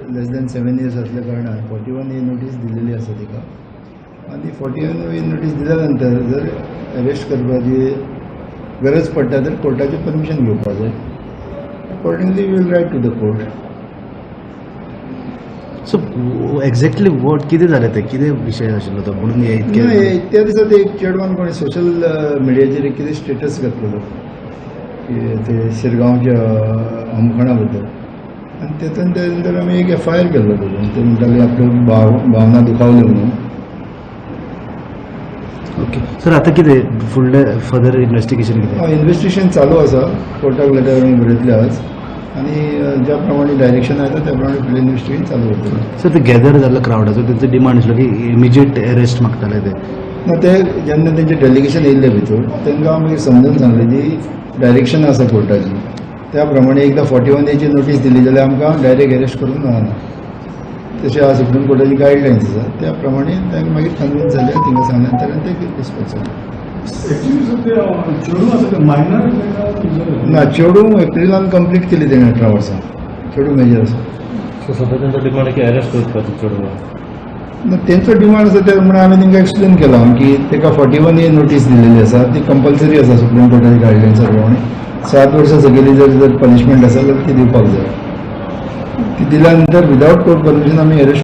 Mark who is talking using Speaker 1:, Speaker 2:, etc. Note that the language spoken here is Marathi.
Speaker 1: लेस दॅन 7 years असल्या कारणान 41A नोटीस दिलेली आसा तिका आनी 41A नोटीस दिल्या नंतर जर अरेस्ट करपाची गरज पडटा तर कोर्टाची परमिशन घेवपाक जाय. Accordingly we will write to the court.
Speaker 2: So exactly what कितें जालें तें कितें विशय आशिल्लो तो म्हणून हे
Speaker 1: त्या दिसा ते एक चेडवान कोणी सोशल मिडियाचेर कितें स्टेटस घातलेलो की ते शिरगांवच्या अमखणा बद्दल आनी तेतून त्या नंतर आमी एक FIR केल्लो तातूंत. ते म्हणटाले आपल्यो भावना दुखावल्यो म्हणून.
Speaker 2: ओके सर आतां कितें फुडलें फर्दर इन्व्हेस्टिगेशन कितें?
Speaker 1: इन्व्हेस्टिगेशन चालू आसा. कोर्टाक लेटर आमी बरयतले आज आनी ज्या प्रमाणे डायरेक्शन आयता त्या प्रमाणे फुडलें इन्व्हेस्टिगेशन चालू करतलें.
Speaker 2: सर ते गॅदर जाल्लो क्रावडाचो तेंचो डिमांड आशिल्लो की इमिजिएट अरेस्ट मागताले ते.
Speaker 1: ना ते जेन्ना तेंचे डेलिगेशन येयल्ले भितर तांकां मागीर समजून सांगलें जी डायरेक्शन आसा कोर्टाची त्या प्रमाणे एकदां 41A नोटीस दिली जाल्यार आमकां डायरेक्ट अरेस्ट करूंक मेळना. तशें आज सुप्रीम कोर्टाची गायडलायन्स आसा त्या प्रमाणे तांकां मागीर कन्विन्स जाले तिंगा सांगल्या नंतर ते रिस्पॉन्स जाले. ना चेडू एप्रिलान कंप्लीट केली तेणें 18 वर्सां. चेडू मेजर आसा.
Speaker 3: सो सद्या तेंचो डिमांड की अरेस्ट करपाचो चेडवा.
Speaker 1: तेंचो डिमांड आसा त्या प्रमाणे हांवें तांकां एक्सप्लेन केलां की ताका 41A नोटीस दिलेली आसा ती कंपल्सरी आसा सुप्रीम कोर्टाची गायडलायन्सा प्रमाणे. 7 वर्सां सकयली जर पनिशमेंट आसा जाल्यार ती दिवपाक जाय. ती दिल्या नंतर विदावट कोर्ट परमिशन आमी अरेस्ट